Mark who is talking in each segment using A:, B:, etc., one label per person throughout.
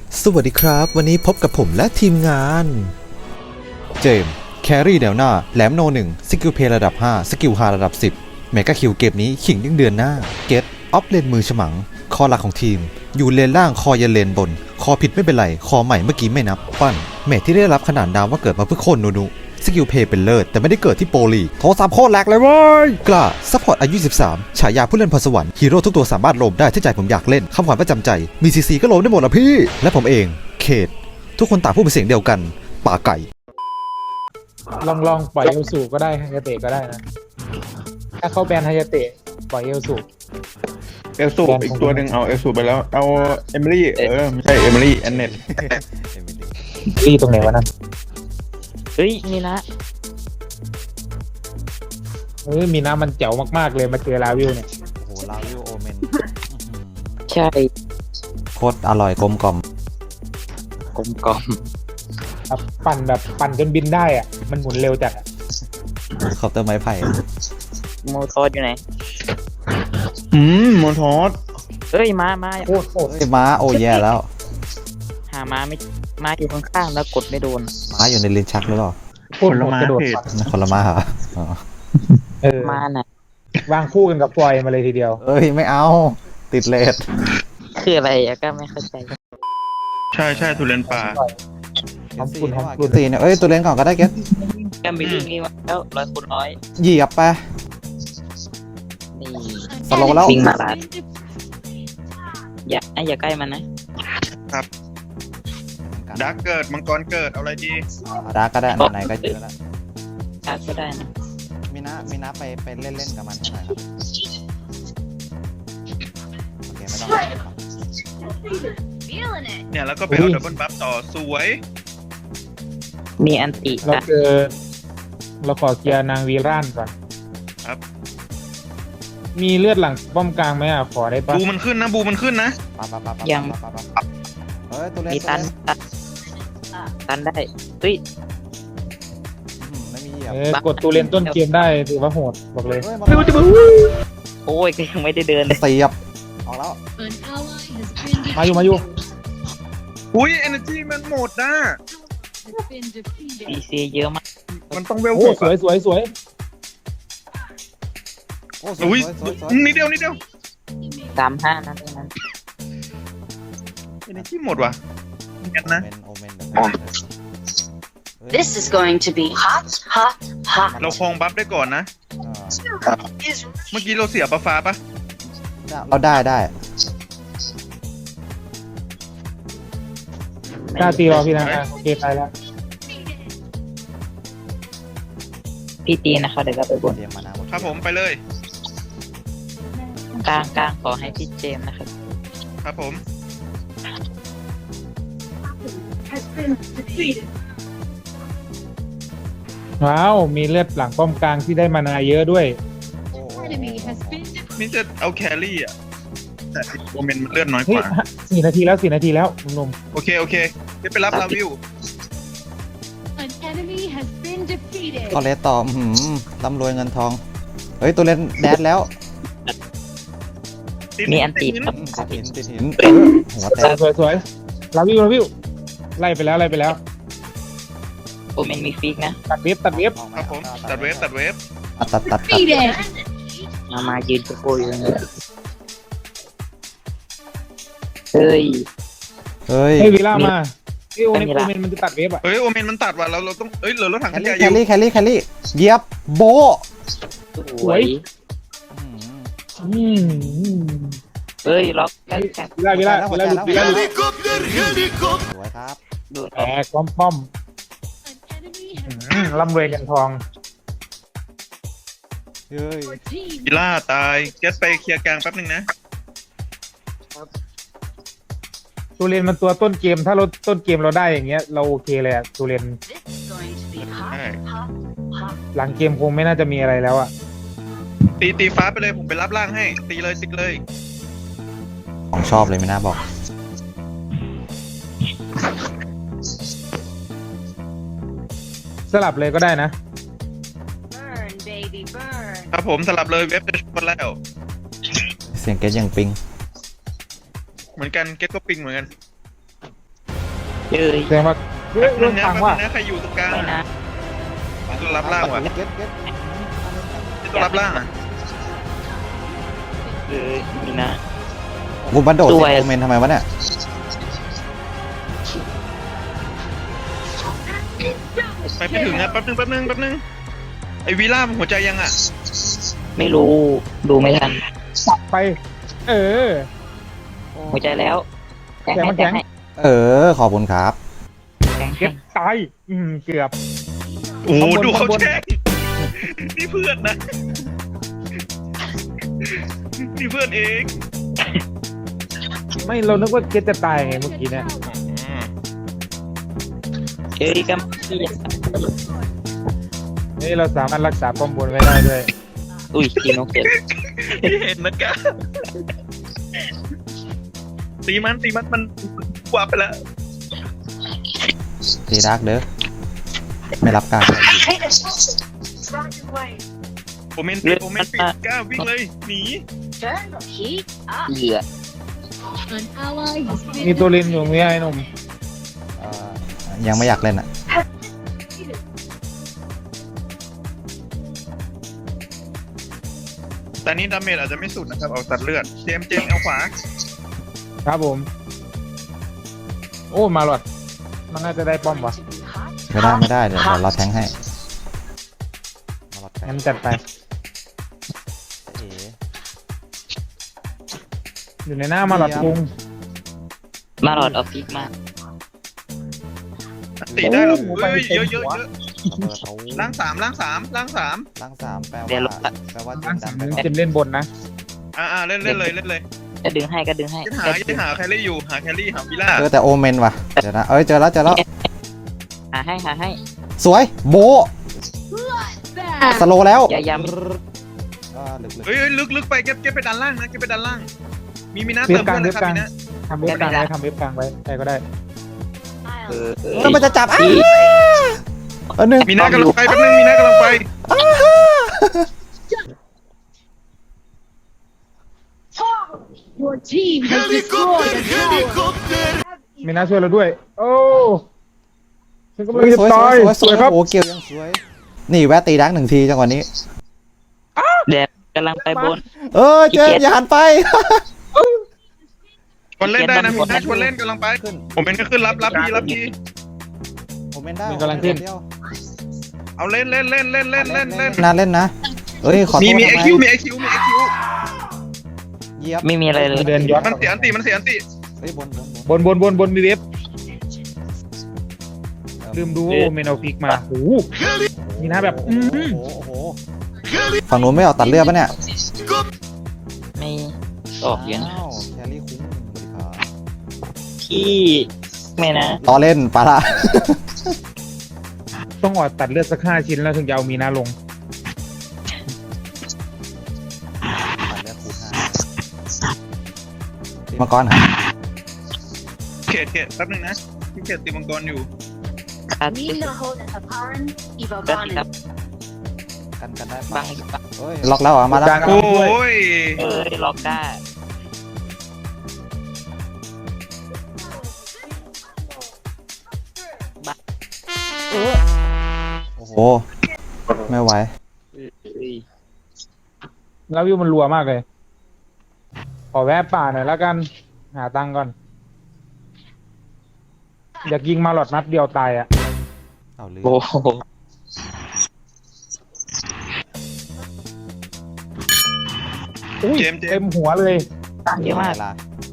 A: สวัสดีครับวันนี้พบกับผมและทีมงานเจมส์แครี่แนวหน้าแหลมโน1สกิลเพลระดับ5สกิลฮาระดับ10เมกาคิวเกมนี้ขิงยังเดือนหน้าเกตออฟเลนมือฉมังคอหลักของทีมอยู่เลนล่างคอยันเลนบนคอผิดไม่เป็นไรคอใหม่เมื่อกี้ไม่นับปั้นเมทที่ได้รับขนานนามว่าเกิดมาเพื่อโค่นนูสกิลเพย์เป็นเลิศแต่ไม่ได้เกิดที่โปรลีโทรศัพท์โคตรแหลกเลยเว้ยกล้าซัพพอร์ตอายุ13ฉายาผู้เล่นพรสวรรค์ฮีโร่ทุกตัวสามารถโลมได้ที่ใจผมอยากเล่นคำขวัญประจำใจมีซีซีก็โลมได้หมดละพี่และผมเองเขตทุกคนต่างพูดเป็นเสียงเดียวกันป่าไก่
B: ลองปล่อยเอลสูก็ได้ฮายาเตะก็ได้นะถ้าเขาแบนฮายาเตะปล่อยเอลสู
C: อีกตัวหนึ่งเอาเอลสูไปแล้วเอาเอมิลี่ไม่ใช่เอมิลี่แอนเน็ต
B: ตีตรงไหนวะนั่น
D: เฮ้ยนี่นะ
B: มีน้ำมันเจ๋วมากๆเลยมาเจอลาวิวเนี่ย
A: โอ้โหลาวิวโอเมน
D: ใช่
A: โคตรอร่อยกลมกล่อม
D: กลมกล่อม
B: แบบปั่นจนบินได้อ่ะมันหมุนเร็วจัดอ่ะ
A: ขอบเตอร์ไม้ไผ่
D: โมโทอสอยู่ไหน
C: โมทอส
D: เฮ้ยมา
B: โคตร
A: เฮ้ยม้าโอ้แย่แล้ว
D: หามาไม่มาอยู่ข้างๆแล้วกดไม่โดน
A: ม้าอยู่ในลิ้นชักหรือเปล่า
B: โคตรกระโดดปั่น
A: คนละม้าเหรออ๋อ
D: มาน่ะ
B: วางคู่กันกับฟลอยมาเลยทีเดียว
A: เอ้ยไม่เอาติดเลท
D: คืออะไรอะก็ไม่เข้าใจ
C: ใช่ทุเรียนป่า
B: หอมกลุ่น
A: ตีเนี่ยเอ้ยตัวเล่นก่อนก็ได้เก็ต
D: ก็มีลูกนี้มาแล้ว100
A: เหยียบไป
D: นี่
A: สโลว์แล้ว
D: วิ่งมาลาดอย่าใกล้มันนะ
C: ดักเกิดมังกรเกิดเอาอะไรดี
A: ดาร์กก็ได้ไหนๆก็เจอแล้ว
D: ชักก็ได้นะ
A: มีนะไปเล่นกับมันหน่อยครับโอเคไม่ต้อง
C: เนี่ยแล้วก็ไปเอาดับเบิลบัฟต่อสวย
D: มีอันติ
B: เราขอเคลียร์นางวีร่านก่อน
C: ครับ
B: มีเลือดหลังป้อมกลางไหมอ่ะขอได้ปะ
C: บูมันขึ้นนะ
A: เฮ้ยตัวเล่น
D: มีตันได้เฮ้ย
A: ไม่มีเหยียบ
B: กดตูเลนต้นเกมได้ถือว่าโหดบอกเลย
D: โอ้ยก็ยังไม่ได้เดินเลย
A: เสียบออกแล้ว
B: มาอยู่
C: อุ้ยเอเนอร์จีมันหมดนะ
D: ดีซีเยอะมาก
C: มันต้องเวล
B: โอ้
C: หก
B: สวย
A: โอ้
C: อุ้ย
A: สวย
C: นิดเดียว
D: 35นั่นเองนั้น
C: เอเนอร์จีหมดว่ะกันนะ
A: โอเมน
E: This is going to be hot.
C: เราคลองบัฟได้ก่อนนะ เมื่อกี้เราเสียฟ้าปะ
A: เราได้
B: กล้าตีรอพี่นะโอเคไปแล้ว
D: พี่ตีนะคะเดี๋ยวเราไปบน
A: เตรียมมานะ
C: ครับผมไปเลย
D: กลางขอให้พี่เจมส์นะครับ
C: ครับผม
B: ว้าวมีเลือดหลังป้อมกลางที่ได้มานาเยอะด้วย
C: มิจะเอาแครี่อ่ะแต่โอเมนมันเลือดน้อยก
B: เฮ้ย
C: ว่า
B: 4 นาทีแล้วหนุ่ม
C: โอเคเดี๋ยวไปรับลาวิว
A: ก็เลสต่อร่ำรวยเงินทองเฮ้ยตัวเล่นแดดแล้ว
D: มีอันติดครับ
A: ติดหินหัวแตก
B: ๆสวยลาวิวไล่ไปแล้ว
D: โอเมนมีฟิกนะ
B: ตัดเว็บ
C: ครับผมตัดเวฟ
A: ตัด
D: มายืนโกยอยู่เลยเฮ้ย
A: เฮ้ย
B: ให้วิลล่ามาโอ
D: ไม่มีละ
B: เมนมันจะตัดเว็บอ่ะ
C: เฮ้ยโอเมนมันตัดว่ะเราต้องเหลือรถถัง
A: แค
C: ข
A: ล
C: ยะอยู่
A: รี่เหยียบโบ
D: สวย
B: อืม
D: เฮ้ยล็อกกัน
B: วิลล่าหลุด
A: สวยครับ
D: ดูด
B: แตกป้อมร่ำรวยกันทอง
A: เฮ้ย
C: วิล่าตายเก็ตไปเคลียร์กลางแป๊บนึงนะ
B: ตูเรนมันตัวต้นเกมถ้าเราต้นเกมเราได้อย่างเงี้ยเราโอเคเลยอะตูเรน
C: ใช่
B: หลังเกมคงไม่น่าจะมีอะไรแล้วอะ
C: ตีฟ้าไปเลยผมไปรับล่างให้ตีเลยติดเลย
A: ของชอบเลยไม่น่าบอก
B: สลับเลยก็ได้นะ
C: ครับผมสลับเลยเว็บจะชนแล้ว
A: เสียงเกตยังปิง
C: เหมือนกันเก็ตก็ปิงเหมือนกัน
D: เอ้ย
B: แสดงว่าเฮ้ย
C: นึ
B: เริ่
C: ง
B: ม
C: นะ
B: ฟังว่า
C: นะใครอยู่ตรงกลาง
D: ไม่นะ
C: ตัวรับล่างว่ะ
A: เก็ตเก็ต
C: ตัวรับล่างอ่ะ
D: เอ้ยมีนะ
A: กูบันโดด
D: ส
A: สิ
D: วย
A: โอเมนทำไมวะเนี่ย
C: ไปไม่ถึงนะแป๊บนึงไอวีล่าหัวใจยังอ่ะ
D: ไม่รู้ดูไม่ทัน
B: สับไป เออ
D: หัวใจแล้วแทงให้
B: แทง
A: เออ ขอบคุณครับ
D: แทง
B: เก็บตายเกือบ
C: โอ้โห
B: ข้างบน
C: ดูเขา
B: ข้างบน
C: แช่งนี่เพื่อนนะนี่เพื่อนเอง
B: ไม่เรานึกว่าเก็ตจะตายไงเมื่อกี้เนี่ย
D: เอ้ยก็พี่
B: นี่เราสามารถรักษาป้อมบนไว้ได้ด้วย
D: อุ้ยทีนกเจ็บ
C: ที่เห็นนะกะตีมันมันกว่าไปแล้ว
A: ตีดักเด้อ ไม่รับการ
C: โอเมนปิดกล้าวิ่งเลยหนี
D: เหยื่อ
B: มีตัวลินอยู่มีไอ้หนุ่ม
A: ยังไม่อยากเล่นอ่ะ
C: แต่นี้ดาเมจอาจจะไม่สุดนะครับเอาตัดเลือดเจมเอาขวา
B: ครับผม โอ้มาหลอดมันน่าจะได้ป้อมวะ
A: ไม่ได้เดี๋ยวเราแทงให้เราแทง
B: งั้นจัดไป
A: เอ๋
B: อยู่ในหน้ามาหลอดพุง
D: มาหลอดออฟฟิศมา
C: ตีได้หรอ
B: โอ้โห
C: เฮ้ย
B: ไปเต็ม
C: เยอะ
B: หัว
A: ระเบิดเอา
C: ล่างสาม
A: ล้างสามแปล
D: เดี๋ยว
A: ว่า
B: ร้าน
A: ดั
B: สาม
A: นไป
B: เจมเล่นบนนะ
C: เล่นเลย
D: ก็ดึงให้ก็ดึงให้
C: จะหาแครี่อยู่หาแครี่หาวิล่า
A: เจอแต่โอเมนว่ะ เดี๋ยวนะ เอ้ย เจอแล้ว
D: หาให้
A: สวย โบะสโลว์แล้ว
D: อย่าย้
A: ลึก
C: เฮ้ยลึกไปเก็บไปด้านล่างนะเก็บไปด้านล่างมีน้า
B: เว็
C: เติ
B: บ
C: ม
B: กลาง
C: เพื่อนนะครับ
B: เว็บกลาง
C: มีนะ
B: ทำเว็บกลางไว้ทำเว็บกลางไว้ใครก็ได้
D: ำเออ
A: เออมันจะจับอันหนึ่ง
C: มีน้ากำลังไปแป๊บนึงมีน้ากำลังไป
E: Your team has destroyed a tower.
B: มีน่าช่วยเราด้วย โอ้ฉันก็
A: ส
B: ไม่
A: วย
B: ได้
A: สวย
B: ตาย
A: สวย
B: ครับ
A: โอ้เกี่ยวยังสวย นี่แวะตีดักหนึ่งทีจังหวะนี้
D: แดดกำลังไปบน
A: เออเจมอย่าหันไป
C: ชวนเล่นได้นะมีน้าชวนเล่นกำลังไป
A: ขึ้น
C: ผมเป็นก็ขึ้นรับที
A: โอเมนได้
B: มันกำลังขึ้น
A: เดียว
C: เอาเล่น
A: นะเล่นนะเอ้ยขอโทษ
C: มี
A: ทำไ
C: IQ
A: เหยียบ
D: ไม่มีอะไรเลย
B: เดินย้อน
C: มันเสียอันติ
A: เฮ้ยบน
B: บนมีเว็บลืมดูว่าโอเมนเอาฟิกมาโอ้โห นี่นะแบบ
A: โอ้โหฝั่งนู้นไม่ออกตัดเลือดปะเนี่ย
D: ไม่ออกเยอะนะ
A: อ้าวแครี่คุ้มบริการ
D: ที่ไม่นะ
A: ต่อเล่นปะละ
B: ต้องออกตัดเลือดสัก5 ชิ้นแล้วถึงจะเอามีนาลง
A: ตัดเลือดคูณ5มังกรฮะ
C: เขตแป๊บนึงนะพี่เขตตีมังกรอยู่
D: คาด
E: Nina Hoden Aparan, Eva
D: ก็ติด
E: Bonin.
D: ครับ
A: กันได้
D: บั
A: ปะ
D: ง
A: เฮ้ยล็อกแล้วเหรอมาแล้ว
B: กลาง
C: โอ้ย
D: เอ้ยล็อกได้
A: โอ้โหไม่ไหว
B: แล้ววิวมันรัวมากเลย ขอแวะป่าหน่อยแล้วกัน หาตังค์ก่อน อยากยิงมาหลอดนัดเดียวตายอ่ะ
A: เอาเลือด
D: โอ้โห
B: อุ้ย
C: เจมส์
B: เต็มหัวเลย
D: ต่างเยอะมาก
A: เวล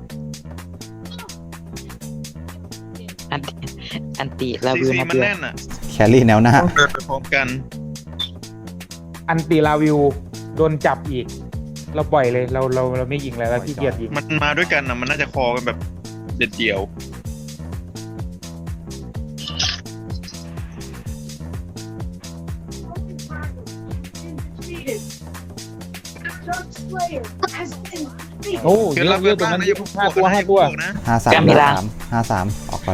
D: อันติลา
C: ซี
D: วิว
C: ซี
D: นัด
C: มัน
D: เดียว
C: แน่นอ่ะ
A: แครี่แนวหน้า
C: ต้องเดินไปพร้อมกัน
B: อันตีลาวิวโดนจับอีก เราปล่อยเลยเราไม่ยิงแล้วเราขี้เกียจยิง
C: มันมาด้วยกันอ่ะมันน่าจะคอกันแบบเด็ดเดี่ยว
E: Dark Slayer has been defeated.
B: โอ้เย
C: คือ
B: อะ
C: รับ
B: เยอะตรง
C: บ้าง
B: นั้น
C: นะอย่าเพิ่ง
B: 5 ตัว
C: นะ
A: 53ออกก่อน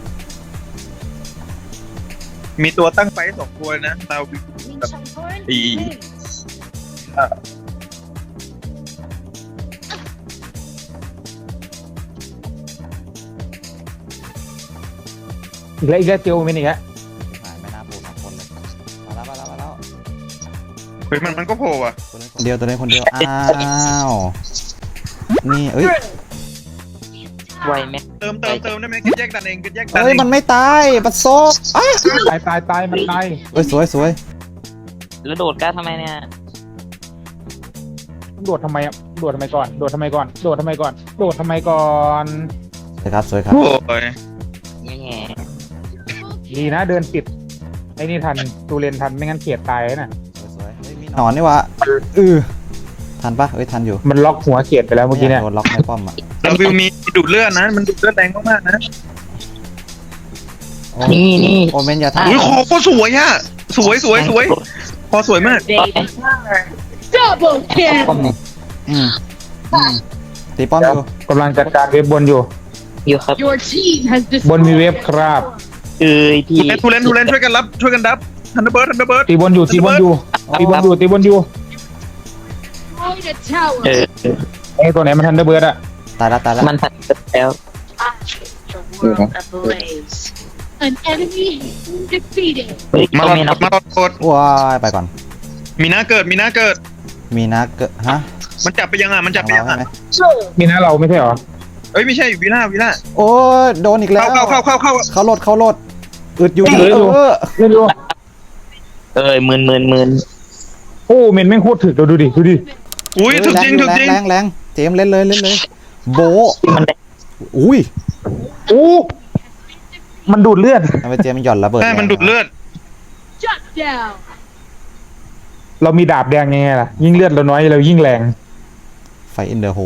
C: มีตัวตั้งไฟ2 ตัวนะเรา
E: Winshan Horn
C: Ý.
E: wins.
B: เอีกแล้วเตียวเป็นอีกแล้ว
A: หายไม่น่าพูด2คนเลยมาแล้ว
C: เฮ้ยมันก็โผล่อ่ะ
A: ตัวนี้คนเดียวอ้าวนี่เอ้ย
D: ไวไหม
C: เติมได้ไหมกินแยกดันเองกินแยกดัน
A: เอ้
C: เอย ง
A: มันไม่ตายปัดโซกอ้า
B: ตายมันตาย
A: เอ้ยสวย
D: แล้วโดดก้าทำไมเนี่ย
B: โดดทำไมอะโดดทำไมก่อนโดดทำไมก่อน
A: สวยครับ
C: โอ้ย
D: แง่
B: ดีนะเดินปิดไอ้นี่ทันตูเลนทันไม่งั้นเขียดตายน่ะ
A: สวยเฮ้ยมีหนอนนี่วะทันปะเอ้ยทันอยู่
B: มันล็อกหัวเขียดไปแล้วเมื่อกี้เนี่ย
A: โดนล็อกในป้อมอ่ะ
C: เราวิวมีดูดเลือดนะมันดูดเลือดแรงมากๆนะ
A: โอ้
D: นี่
A: โอเมนอย่าทัน
C: อุ้ยคอก็สวยอ่ะสวยคอสวยมาก
E: Double kill.
A: อืมตีป้อมอยู่
B: กำลังจัดการเว็บบนอยู่
D: อยู่ครับ
E: Your team has
B: บนมี
E: destroyed.
B: เว็บครับ
D: พี่
C: ทูเลนช่วยกันรับช่วยกันดับทันเดอร์เบิร์ด
B: ตีบนอยู่
E: Destroyed a tower.
B: ไอ้ตัวไหนมันทันเดอร์เบิร์ดอะ
A: ตายละ
D: มันทันแล้ว
E: The world ablaze. An enemy defeated.
D: เฮ้ย
C: มา
D: ก็
C: หลอด
D: ไม่นับ
C: มาหลอดกด
A: ว้ายไปก่อน
C: มีหน้าเกิด
A: มีนะเกิดฮะ
C: มันจับไปยังอ่ะมันจับไปยัง
A: ใช่
C: อ่ะ
A: ไหม
B: มีนะเราไม่ใช่เหรอ
C: เอ้ยไม่ใช่วิล่า
A: โอ้ยโดนอีกแล้ว
C: เข้า
A: เขาโหลดอึดอยู่
B: เล่นดู
D: มืน
B: โอ้เมนแม่งโคตรถึกเราดูดิ
C: อุ้ยถึกจริง
A: แรงเจมส์เล่นเลยโบะ
D: มันได้
A: อุ้ย
B: โอ้มันดูดเลือด
A: ทำไมเจมส์หย่อนระเบิด
C: ใช่มันดูดเลือด
E: Shut down.
B: เรามีดาบแดงยังไงล่ะ ยิ่งเลือดเราน้อยเรายิ่งแรง
A: ไฟอินเดอะโฮ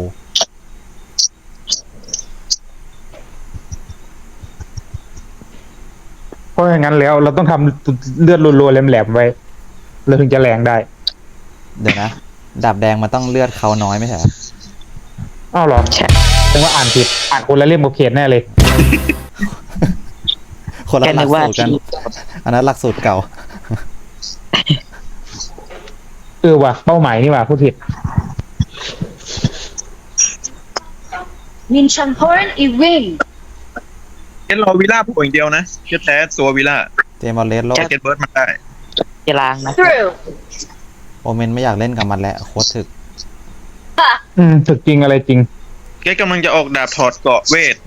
B: เพราะอย่างนั้นแล้วเราต้องทำเลือดรัวๆแหลมๆไว้เราถึงจะแรงได้
A: เดี๋ยวนะดาบแดงมันต้องเลือดเขาน้อยไม่ใช่เหรอ
B: อ้าวเหรอแสดงว่าอ่านผิดอ่านคนละเล่มกับเขียนแน่เลย
A: คนละ
D: แค่
A: หลั
D: นึ
A: ก
D: กว่า
A: สูตรกัน
D: ที่
A: อันนั้นหลักสูตรเก่า
B: ว่ะเป้าหมายนี่ว่ะพูดผิด
E: Min Changhorn i win.
C: เก็ตรอวิล่าผู้อย่างเดียวนะเก็ตแท้ตัววิล่า
A: เจมส์บอลเลสโล
C: เก็ตเบิร์ดมันได้
D: จะล้างนะ
E: Through.
A: โอเมนไม่อยากเล่นกับมันแล้วโคตรถึก
B: ถึกจริงอะไรจริง
C: เก็ตกำลังจะออกดาบถอดเกาะเวท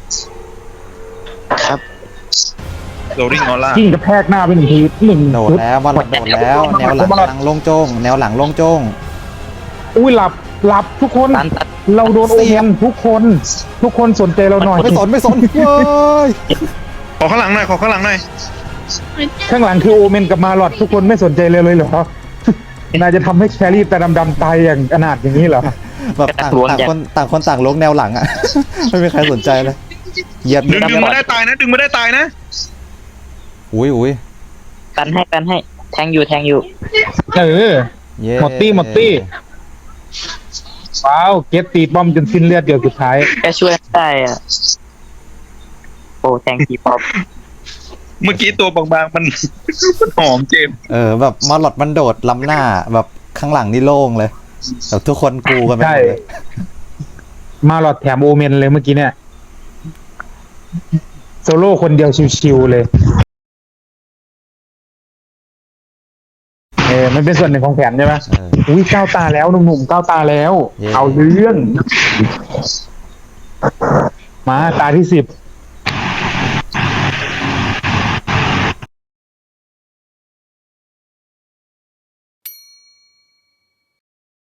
D: ครับ
C: โรลลิ่งออร่า
B: ยิ่งกระแทกหน้าไปหนึ่งที
A: โดด
B: ชุด
A: แล้วบอลโดดแล้ว แนวหลังโล่งโจ้งแนวหลังโล่งโจ้ง
B: อุ้ยหลับทุกคน
D: ตัน
B: เราโดนโอเมนทุกคนสนใจเราหน่อย
A: ไม่สนเว้ย
C: ขอข้างหลังหน่อย
E: An
B: ข้างหลังคือโอเมนกับมาลอดทุกคนไม่สนใจเลยเหรอ นายจะทำให้แครี่แต่ดำๆตายอย่างอนาถอย่างนี้เหรอ
A: แบบต่างคนต่างลงแนวหลังอ่ะ ไม่มีใครสนใจเลยเหยียบ
C: ดึงมาได้ตายนะ
A: อุ้ย
D: กันให้แทงอยู่
B: เออ
A: เย้
B: หมดตี้ว้าวเก็ตตีป้อมจนสิ้นเลือดเดียวสุดท้าย
D: แค่ช่วยได้อ่ะโอ้แทงกีปอบ
C: เมื่อกี้ตัวบางๆมัน หอมเจม
A: แบบมาหลอดมันโดดล้ำหน้าแบบข้างหลังนี่โล่งเลยแบบทุกคนกูกันไปหมดเลย
B: มาลอดแถมโอเมนเลยเมื่อกี้เนี่ยโซโล่คนเดียวชิวๆเลยมันเป็นส่วนหนึ่งของแผนใช่ไหมอุ้ยก้าวตาแล้วหนุ่มๆก้าวตาแล้ว เอาเรื่องมาตาที่10